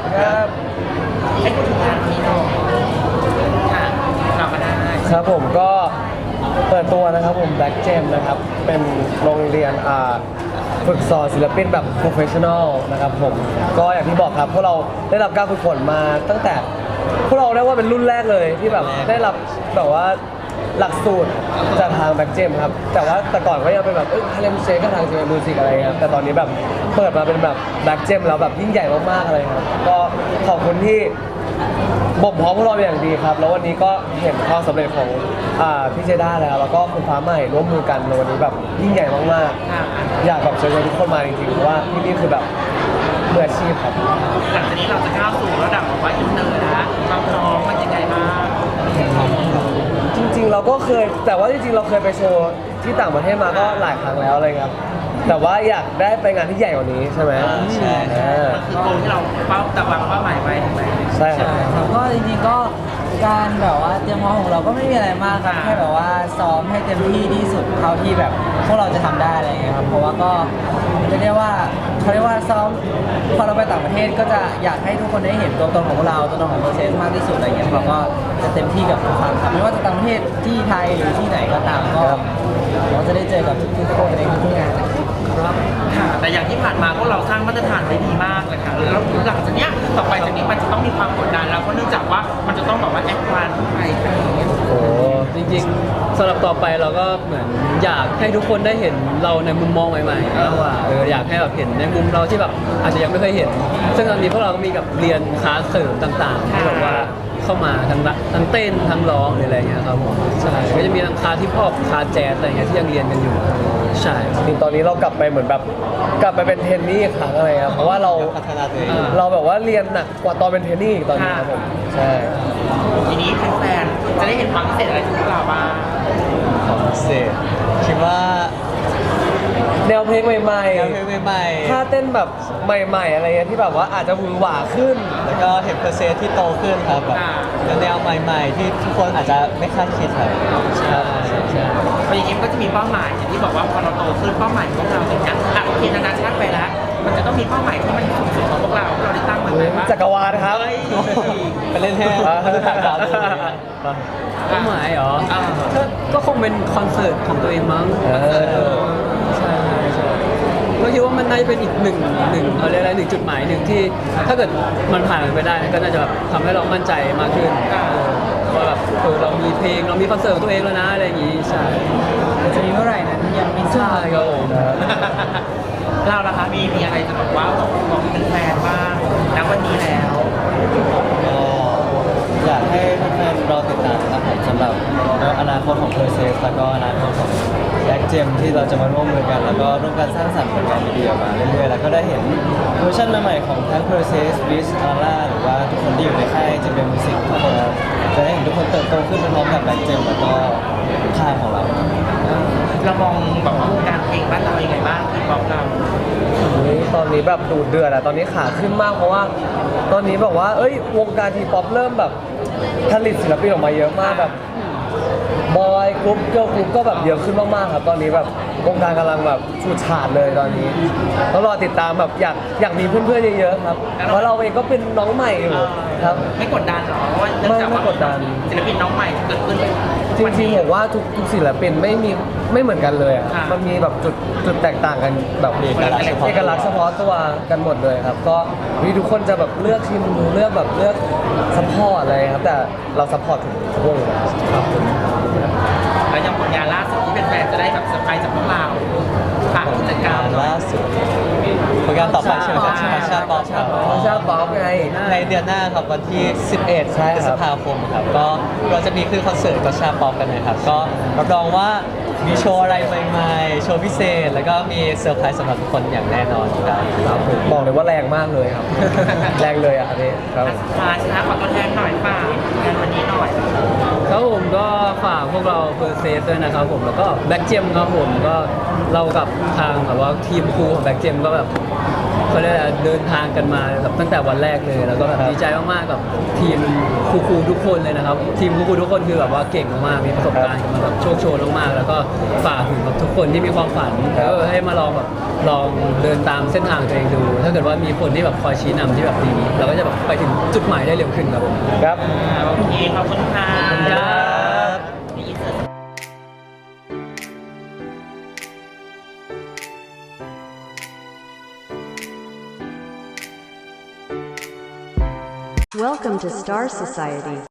ครับให้พูดถึงงานนี้หน่อยค่ะเราก็ได้ครับผมก็เปิดตัวนะครับผม Black Gem นะครับเป็นโรงเรียนฝึกสอนศิลปินแบบ professional นะครับผมก็อย่างที่บอกครับพวกเราได้รับการฝึกฝนมาตั้งแต่พวกเราเรียกว่าเป็นรุ่นแรกเลยที่แบบได้รับแบบว่าหลักสูตรจากทาง Black Gem ครับแต่ว่าแต่ก่อนก็ยังเป็นแบบฮาเลมเชคก็ทาง JM Music อะไรครับแต่ตอนนี้แบบเปิดมาเป็นแบบ Black Gem แล้วแบบยิ่งใหญ่มากๆอะไรครับก็ขอบคุณที่บ่มเพาะพวกเราเป็นอย่างดีครับแล้ววันนี้ก็เห็นความสำเร็จของพี่เจด้าแล้วก็คุณฟ้าใหม่ร่วมมือกันในวันนี้แบบยิ่งใหญ่มากๆอยากแบบเชิญชวนทุกคนมาจริงๆเพราะว่าที่นี่คือแบบมืออาชีพครับหลังจากนี้เราจะก้าวสู่ระดับแบบว่าอินเตอร์นะความพร้อมมันยังไงบ้างจริงๆเราก็เคยแต่ว่าจริงๆเราเคยไปโชว์ที่ต่างประเทศมาก็หลายครั้งแล้วอะไรครับแต่ว่าอยากได้ไปงานที่ใหญ่กว่านี้ใช่ไหมใช่มันคือโกลที่เราแต่วางเป้าหมายไว้ถูกไหมใช่ครับครับก็จริงๆก็การแบบว่าเตรียมพร้อมของเราก็ไม่มีอะไรมากครับแค่แบบว่าซ้อมให้เต็มที่ที่สุดเท่าที่แบบพวกเราจะทำได้อะไรอย่างเงี้ยครับเพราะว่าก็เรียกว่าเขาเรียกว่าซ้อมพอเราไปต่างประเทศก็จะอยากให้ทุกคนได้เห็นตัวตนของพวกเราตัวตนของโปรเซสมากที่สุดอะไรเงี้ยเราก็จะเต็มที่กับทุกครั้งครับไม่ว่าจะต่างประเทศที่ไทยหรือที่ไหนก็ตามก็เราจะได้เจอกับทุกๆคนในทุกๆงานนะครับค่ะแต่อย่างที่ผ่านมาพวกเราสร้างมาตรฐานไว้ดีมากเลยค่ะแล้วหลังจากเนี้ยต่อไปจากนี้มันจะต้องมีความกดดันแล้วเพราะเนื่องจากว่ามันจะต้องแบบว่าแอดวานซ์ไปอะไรอย่างเงี้ยโอ้จริงๆสำหรับต่อไปเราก็เหมือนอยากให้ทุกคนได้เห็นเราในมุมมองใหม่ๆมากกว่าอยากให้แบบเห็นในมุมเราที่แบบอาจจะยังไม่เคยเห็น ซึ่งตอนนี้พวกเราก็มีกับเรียนคลาสเสริมต่างๆที่แบบว่าเข้ามาทั้งเต้นทั้งร้องหรืออะไรเงี้ยครับผมใช่ก็จะมีทั้งคลาสที่พอปคลาสแจ๊สอะไรเงี้ยที่ยังเรียนกันอยู่ใช่จริงตอนนี้เรากลับไปเหมือนแบบกลับไปเป็นเทรนนี่อีกครั้งอะไรครับเพราะว่าเราพัฒนาตัวเองเราแบบว่าเรียนหนักกว่าตอนเป็นเทรนนี่อีกตอนนี้ครับผมใช่ทีนี้แฟนๆจะได้เห็นความพิเศษอะไรจากพวกเราบ้างของพิเศษคิดว่าแนวเพลงใหม่แนวเพลงใหม่ๆท่าเต้นแบบใหม่ๆอะไรเงี้ยที่แบบว่าอาจจะหวือหวาขึ้นแล้วก็เห็นเพอร์เซนที่โตขึ้นครับแบบแนวใหม่ๆ ที่ทุกคนอาจจะไม่คาดคิดครับใช่ใช่พออย่างนี้มันก็จะมีเป้าหมายอย่างที่บอกว่าพอเราโตขึ้นเป้าหมายของเราอย่างเงี้ยโอเคนานาชาติไปแล้วมันจะต้องมีเป้าหมายที่มันสูงสุดของพวกเราที่เราได้ตั้งมันไว้ว่าจักรวาลครับเฮ้ยไปเล่นแห้งถ่ายดาวดูเป้าหมายเหรอก็คงเป็นคอนเสิร์ตของตัวเองมั้งใช่ใช่ก็คิดว่ามันน่าจะเป็นอีกหนึ่งเอาเรียกอะไรหนึ่งจุดหมายหนึ่งที่ถ้าเกิดมันผ่านไปได้ก็น่าจะแบบทำให้เรามั่นใจมากขึ้นว่าแบบเรามีเพลงเรามีคอนเสิร์ตของตัวเองแล้วนะอะไรอย่างงี้ใช่จะมีเมื่อไหร่นั้นยังไม่ทราใช่บครับผมเราล่ะคะมีอะไรจะบอกว่าบอกเป็นแฟนบ้างณวันนี้แล้วก็อยากให้แฟนๆรอติดตามครับผมสำหรับอนาคตของ Process แล้วก็อนาคตของ Black Gem ที่เราจะมาร่วมมือกัน แล้วก็ร่วมกันสร้างสรรค์ผลงานดีๆออกมาเรื่อยๆแล้วก็ได้เห็นเวอร์ชันใหม่ๆของทั้ง Process Wiz Aura หรือว่าทุกคนที่อยู่ในค่าย JM Music ทุกคนจะได้เห็นทุกคนเติบโตขึ้นไปพร้อมกับ Black Gem แล้วก็ค่ายของเราเรามองแบบว่าวงการเพลงบ้านเรายังไงบ้างที่บอกเราตอนนี้แบบดูเดือดอะตอนนี้ขาขึ้นมากเพราะว่าตอนนี้แบบว่าวงการทีป๊อปเริ่มแบบผลิตศิลปินออกมาเยอะมากแบบบอยกรุ๊ปเกิร์ลกรุ๊ปก็แบบเยอะขึ้นมากๆครับตอนนี้แบบวงการกำลังแบบชูฉาดเลยตอนนี้ต้องรอติดตามแบบอยากมีเพื่อนๆเยอะๆครับเพราะเราเองก็เป็นน้องใหม่อยู่ครับไม่กดดันหรอเพราะว่าเนื่องจากว่าไม่กดดันศิลปินน้องใหม่เกิดขึ้นจริงๆผมว่าทุกศิลปินไม่เหมือนกันเลยอ่ะมันมีแบบจุดแตกต่างกันแบบมีเอกลักษณ์เฉพาะเอกลักษณ์เฉพาะตัวกันหมดเลยครับก็มีทุกคนจะแบบเลือกทีมเลือกแบบเลือกซัพพอร์ตอะไรครับแต่เราซัพพอร์ตทุกวงอยู่แล้วครับแล้วอย่างผลงานล่าสุดที่เป็นแฟนจะได้แบบเซอร์ไพรส์จากพวกเราฝากกิจกรรมล่าสุดผลงานต่อไปใช่ไหมครับชาป๊อปครับชาป๊อปไงในเดือนหน้าครับวันที่ 11 ใช่พฤคษรับภาคมครับก็เราจะมีขึ้นคอนเสิร์ตกับชาป๊อปกันนะครับก็รับรองว่ามีโชว์อะไรใหม่ๆ โชว์พิเศษ แล้วก็มีเซอร์ไพรส์สำหรับทุกคนอย่างแน่นอนครับครับผมบอกเลยว่าแรงมากเลยครับ แรงเลยอ่ะอันนี้ครับมาชนะขอตัวแทนหน่อยป่ะงานวันนี้หน่อยครับผมก็ฝากพวกเราเพอร์เซฟด้วยนะครับผมแล้วก็แบ็กเจมครับผมก็เรากับทางแบบว่าทีมครูของแบ็กเจมก็แบบเขาเรียกอะไรเดินทางกันมาแบบตั้งแต่วันแรกเลยแล้วก็แบบดีใจมากๆกับทีมครูๆทุกคนเลยนะครับทีมครูๆทุกคนคือแบบว่าเก่งมากๆมีประสบการณ์กันมาแบบโชคโชนมากๆแล้วก็ฝากถึงแบบทุกคนที่มีความฝันให้มาลองแบบลองเดินตามเส้นทางตัวเองดู ถ้าเกิดว่ามีคนที่แบบคอยชี้นำที่แบบดีเราก็จะแบบไปถึงจุดหมายได้เร็วขึ้นครับผมครับโอเคขอบคุณค่ะครับมีอินเสิร์ต Welcome to Star Society.